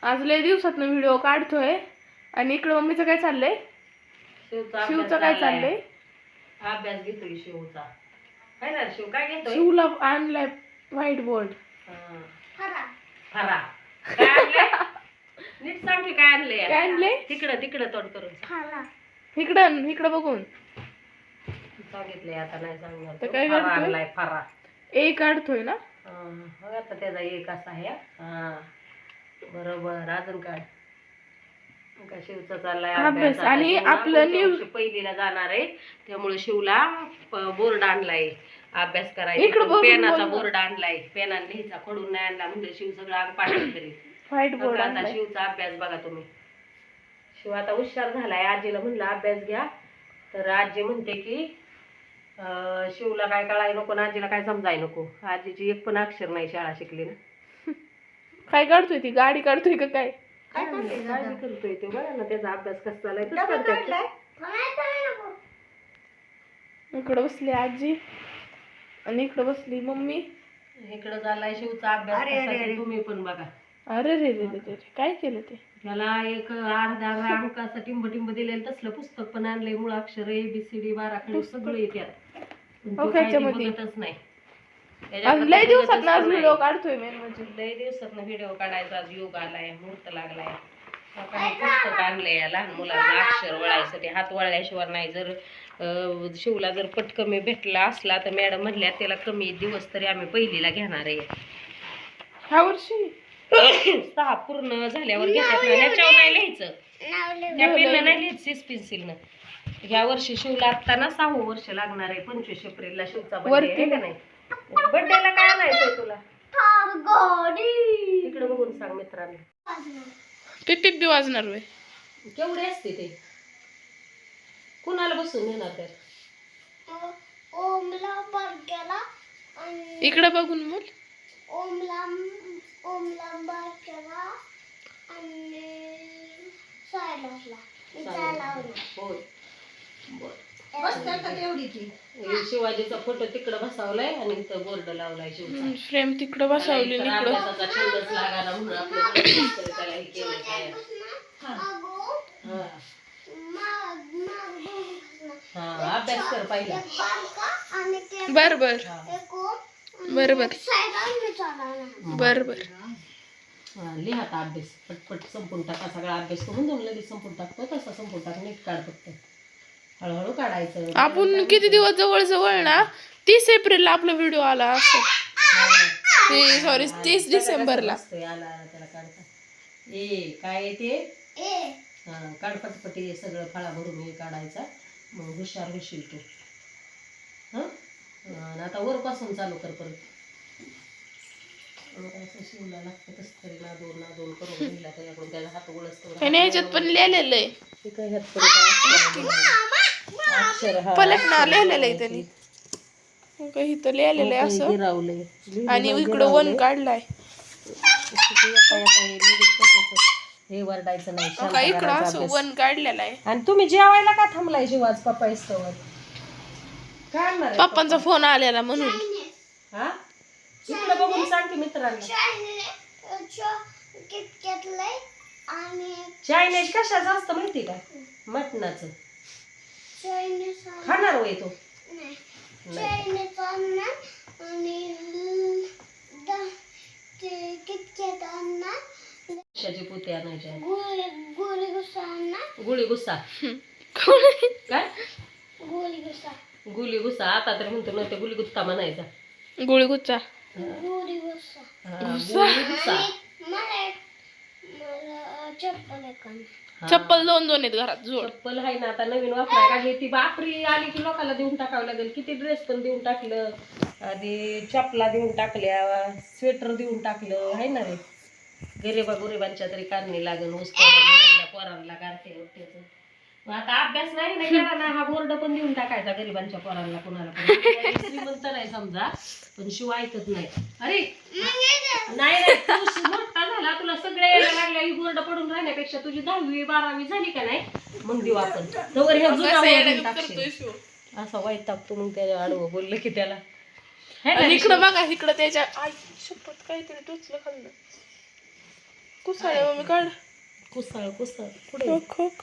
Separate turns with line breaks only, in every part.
आज लय दिवसातनं व्हिडिओ काढतोय आणि इकडे मम्मीचं काय चाललंय? शिवचं काय चाललंय?
अभ्यास घेतोय शिवचा. काय ना शिव काय घेतोय?
शिवला आणलाय व्हाईट बोर्ड.
फरा काय आणलंय? नीट सांग की काय आणलंय?
काय आणलंय?
तिकडं तोड करून
इकडं बघून
सांगितलंय. आता नाही सांगणार.
तर काय
फरा
काढतोय?
आणलाय फरा.
ए काढतोय ना?
आता त्याचा एक असा आहे. बरोबर. अजून काय का शिवचा चाललाय
अभ्यास आणि आपलं
पहिलीला जाणार आहे त्यामुळे शिवला बोर्ड आणलाय अभ्यास
इकडं
करायचा.
बघून
पेनाचा
बोल ना.
बोर्ड आणलाय. पेनाने लिहायचा खडून नाही आणला म्हणजे शिव सगळं अंग पाठवून करेल.
व्हाईट बोर्ड
आता
आणलाय.
शिवचा अभ्यास बघा तुम्ही. शिव आता हुशार झालाय. आजीला म्हणलं अभ्यास घ्या तर आजी म्हणते की शिवला काय कळाय नको ना आजीला काय समजाय नको. आजीची एक पण अक्षर नाही शाळा शिकली ना.
काय काढतोय ती? गाडी काढतोय का काय?
काळजी करतोय तो. बघा ना त्याचा अभ्यास कसा चालाय.
इकडं बसली आजी आणि इकडं बसली मम्मी.
इकडं झालाय शिवचा अभ्यास. तुम्ही पण बघा.
अरे रे रे रे रे काय केलं ते?
त्याला एक अर्धा अंकाचं टिंब दिलेलं तसलं पुस्तक पण आणलंय. मुळाक्षर ABCD 12 खडी सगळं येतात. बघतच नाही.
लय दिवसात आज व्हिडिओ काढतोय मेन म्हणजे.
लय दिवसात व्हिडिओ काढायचा. आज योग आलाय मुहूर्त लागलाय. पुस्तक आणलंय लहान मुलांना अक्षर वळायसाठी. हात वळल्याशिवाय नाही. जर शिवला जर पट कमी भेटला असला तर मॅडम म्हणल्या त्याला कमी दिवस तरी आम्ही पहिलीला घेणार आहे.
ह्या वर्षी
6 पूर्ण झाल्यावर घेतात ना. ह्याच्यावर नाही लिहायचं. त्या पेननं नाही लिहायचं. सिस पेन्सिलनं. ह्या वर्षी शिवला आता ना 6वं वर्ष लागणार आहे. 25 एप्रिलला शिवचा बर्थडे आहे का नाही. बर्थडेला काय आणायचंय तुला? इकडे बघून सांग मित्रांनो.
पिप बी वाजणार होय.
केवढे असते ते? कुणाला बसून येणार तर?
इकडे बघून बोल.
शिवाजीचा फोटो तिकडे बसवलाय आणि इथं बोर्ड लावलाय शिवचा.
फ्रेम तिकडे बसवली.
अभ्यासाचा छंदच लागायला म्हणून आपलं त्याला हे केलंय काय. अभ्यास कर पाहिजे.
बर बर बर बर बर बर.
लिहा आता अभ्यास पटपट संपून टाका. सगळा अभ्यास करून जाऊन लगेच संपून टाकतो. तसा संपून टाक. नीट काढ फक्त. हळूहळू काढायचं.
आपण किती दिवस जवळ ना 30 एप्रिलला आपला व्हिडिओ आला असं. सॉरी 30 डिसेंबरला
आला त्याला काढता. काय ते काढ पटपट. हे सगळं फळा भरून हे काढायचा. मग हुशार होशील तू. आता वरपासून चालू कर परत. शिवला लागतं कसं तरी नादोन करून लिहिला त्याच्याकडून त्याला हात उळसतो.
ह्याच्यात पण लिहिलेलं आहे.
अक्षर
पलटणार लिहिलेलं आहे त्यांनी. इथं लिहिलेलं आहे असं आणि इकडं 1 काढलाय.
हे वरडायचं नाही.
इकडं असं 1 काढलेलं आहे.
आणि तुम्ही जेवायला का थांबलाय शिवाज पप्पा इस्तवर? काय
पप्पांचा फोन आलेला म्हणून.
हा इकडे बघून सांग की मित्रांना. चायनीज कशाचं असतं माहिती का? मटणाचं. खाणार होय तो? कशाची पोती आणायची? गुळी गुस्सा काय? गुली गुस्सा. आता तर म्हणतो ना ते गुली गुत्ता म्हणायचा.
गुळी गुच्चा. चप्पल 2 आहेत घरात. जोड
चप्पल आहे ना. आता नवीन वापराय काढली ती. बापरी आली की लोकांना देऊन टाकावं लागेल. किती ड्रेस पण देऊन टाकलं. आधी चपला देऊन टाकल्या. स्वेटर देऊन टाकलं. आहे ना रे. गरिबांच्या तरी कारणी लागेल. पोरांना काढते. आता अभ्यास नाही केला ना. हा बोर्ड पण देऊन टाकायचा गरिबांच्या पोरांना. कुणाला पण श्रीमंत नाही समजा पण शिव ऐकत नाही. अरे नाही तू मोठा झाला. तुला सगळे यायला लागल्या. ही बोर्ड पडून राहण्यापेक्षा तुझी 10वी 12वी झाली का नाही मग देऊ आपण. तवर हे असा वाईट टाकतो. मग त्याच्या आडवं बोललं की त्याला. इकडं
बघा. इकडं त्याच्या शपथ काहीतरी टोचलं खाल्लं. कुसाळे मम्मी काढ.
कुसळ पुढे
खोक खोक.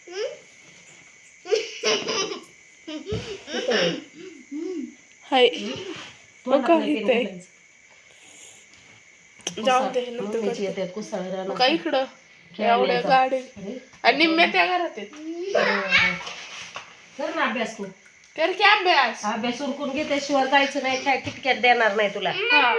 हाय
तोंडात
का
नाही
इथे?
पेन घालायचं.
जाऊ दे नंतर
मम्मीची
करते.
येतात कुसळ रानात.
का इकडं एवढ्या
खेळण्याचा.
गाडी
अरे,
आणि निम्म्या त्या घरात आहेत.
कर ना अभ्यास तू.
कर की अभ्यास.
अभ्यास उरकून घेतल्याशिवाय जायचं नाही, काय किटक्यात देणार नाही तुला.
हा.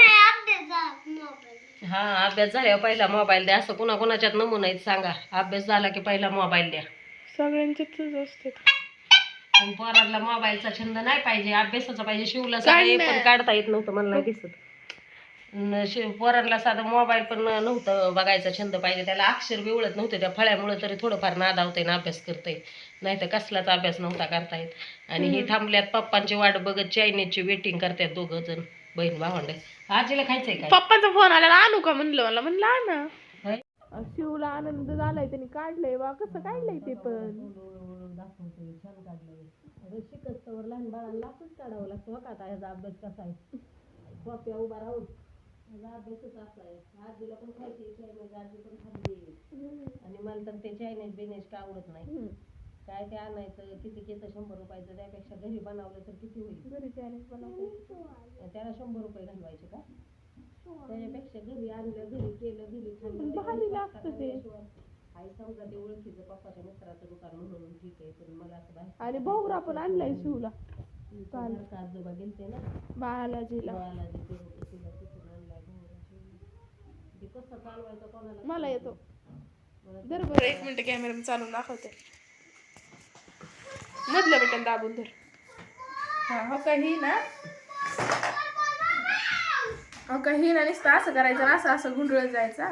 हा अभ्यास झाल्यावर पहिला मोबाईल द्या, असं कुणाकुणाच्यात नमुना आहेत सांगा. अभ्यास झाला की पहिला मोबाईल द्या.
सगळ्यांचेच असते.
पण पोरांना मोबाईलचा छंद नाही पाहिजे, अभ्यासाचा पाहिजे. शिवला साधं हे पण काढता येत नव्हतं, मला नाही दिसत. पोरांना साधं मोबाईल पण नव्हतं बघायचा छंद पाहिजे. त्याला अक्षर बिवळत नव्हते, त्या फळ्यामुळे तरी थोडंफार नादावते ना अभ्यास करते, नाही तर कसलाच अभ्यास नव्हता करता येत. आणि हे थांबल्यात पप्पांची वाट बघत चायनीजची वेटिंग करतात दोघं जण बहीण भावंड. आजीला खायचंय काय?
पप्पाचा फोन आला आणू का म्हणलं म्हणलं आणा.
होय?
शिवला आनंद झालाय, त्यांनी काढलंय बा. कसं काढलंय ते पण
दाखवतोय छान काढलंय. अगं शिकस्तवर लहान बाळांना लाचच काढावं लागतं. हो का आता ह्याचा अभ्यास कसा आहे, कॉप्या उभा राहून ह्याचा अभ्यासच असा आहे. आजीला पण खायची चायनीज, आजी पण खाल्ली. आणि मला तर ते चायनीज बिनेज का आवडत नाही. काय ते आणायचं किती घेतं 100 रुपयाचं, त्यापेक्षा घरी बनवलं तर किती होईल.
घरी चायनीज बनवते.
त्याला 100 रुपये घालवायचे का? त्याच्यापेक्षा घरी आणलं, घरी केलं, घरी खाल्लं.
भारी लागतं ते.
आई समजा ते ओळखीचं पप्पाच्या मित्राचं दुकान म्हणून ठीक आहे, पण मला असं बाहेर.
आणि भाऊरा पण आणलाय शिवला.
काल आजोबा गेलते ना
बालाजीला.
बालाजी तिला तिथून आणलाय भाऊरा शिवला. ते कसं चालवायचं कोणाला
मला येतो. बरोबर 1 मिनिट कॅमेरा चालून दाखवते. मधलं बटन दाबून धर. हा हो काही ना, हो काही ना, नुसतं असं करायचं ना, असं असं गुंडळत जायचं.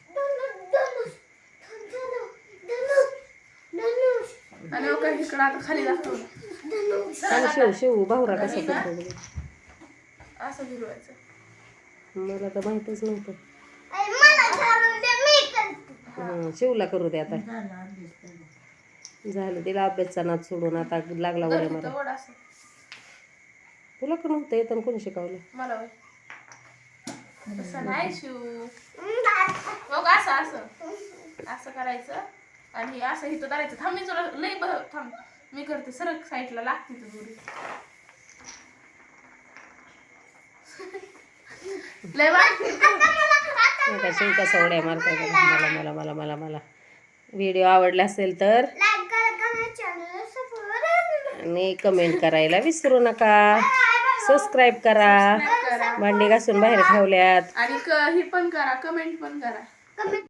आणि हो काही इकडं आता खाली दाखवलं.
शिव भाऊरा कसं करतो
असं गुंडळायचं.
मला तर माहितच नव्हतं. शिवला करू दे आता. झालं तिला अभ्यासचा नाद सोडून आता लागला वडे मला. तुला का नव्हतं येतं कोणी शिकवलं?
मला तसं नाही शिव. मग असं असं असं करायचं आणि असं इथं करायचं. थांब मी तुला लई थांब मी करते. सरक साईडला लागते तू दोरी. लय
शिव कसा उड्या मारताय मला मला मला मला मला. व्हिडिओ आवडला असेल तर आणि कमेंट करायला विसरू नका. सबस्क्राईब करा. भांडी घासून बाहेर ठेवल्यात.
आणि ही पण करा, कमेंट पण करा.